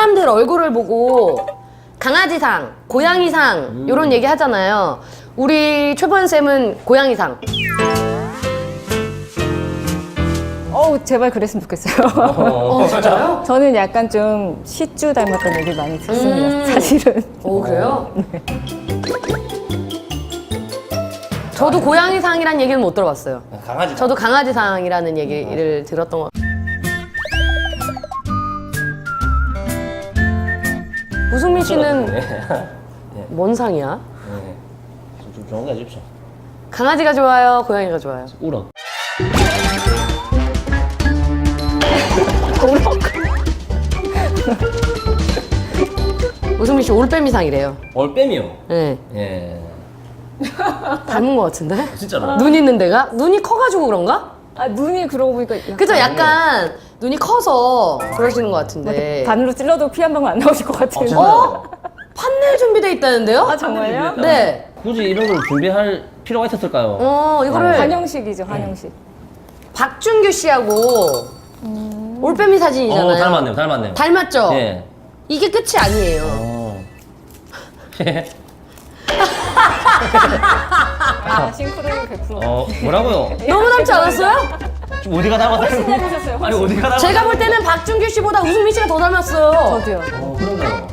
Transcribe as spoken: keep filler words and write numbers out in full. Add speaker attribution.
Speaker 1: 사람들 얼굴을 보고 강아지상, 고양이상
Speaker 2: 음.
Speaker 1: 이런 얘기 하잖아요. 우리 최보현 쌤은 고양이상.
Speaker 3: 어우, 제발 그랬으면 좋겠어요.
Speaker 1: 어, 진짜요?
Speaker 3: 저는 약간 좀 시쭈 닮았다는 얘기를 많이 듣습니다,
Speaker 1: 음.
Speaker 3: 사실은.
Speaker 1: 오, 그래요? 저도 고양이상이라는 얘기는 못 들어봤어요.
Speaker 2: 강아지.
Speaker 1: 저도 강아지상이라는 얘기를 들었던 것 같아요. 우승민 씨는
Speaker 2: 네.
Speaker 1: 뭔 상이야?
Speaker 2: 네. 좀, 좀 좋은 거 해주십시오.
Speaker 1: 강아지가 좋아요? 고양이가 좋아요?
Speaker 2: 우럭.
Speaker 1: 우승민 씨 올빼미상이래요.
Speaker 2: 올빼미요.
Speaker 1: 네.
Speaker 2: 예.
Speaker 1: 닮은 것 같은데?
Speaker 2: 진짜로.
Speaker 1: 눈 있는 데가? 눈이 커가지고 그런가?
Speaker 3: 아, 눈이 그러고 보니까. 약간
Speaker 1: 그죠? 약간 눈이 커서 그러시는 것 같은데.
Speaker 3: 바늘로 찔러도 피 한 방울 안 나오실 것 같아요.
Speaker 2: 진짜요?
Speaker 1: 어? 판넬 준비돼 있다는데요?
Speaker 3: 아, 정말요?
Speaker 1: 네.
Speaker 2: 굳이 이런 걸 준비할 필요가 있었을까요?
Speaker 1: 어, 이거를
Speaker 3: 한영식이죠, 한영식.
Speaker 1: 박준규 씨하고 올빼미 사진이잖아요.
Speaker 2: 어, 닮았네요, 닮았네요.
Speaker 1: 닮았죠?
Speaker 2: 예.
Speaker 1: 이게 끝이 아니에요.
Speaker 2: 어.
Speaker 3: 아, 싱크로율 백 퍼센트.
Speaker 2: 어, 뭐라고요?
Speaker 1: 너무 닮지 않았어요?
Speaker 2: 지금 어디가 닮았다는
Speaker 3: 훨씬 닮으셨어요,
Speaker 2: 아니,
Speaker 3: 훨씬.
Speaker 2: 어디가 닮았다는
Speaker 1: 제가 볼 때는 박준규 씨보다 우승민 씨가 더 닮았어요.
Speaker 3: 저도요.
Speaker 2: 어, 그런가요?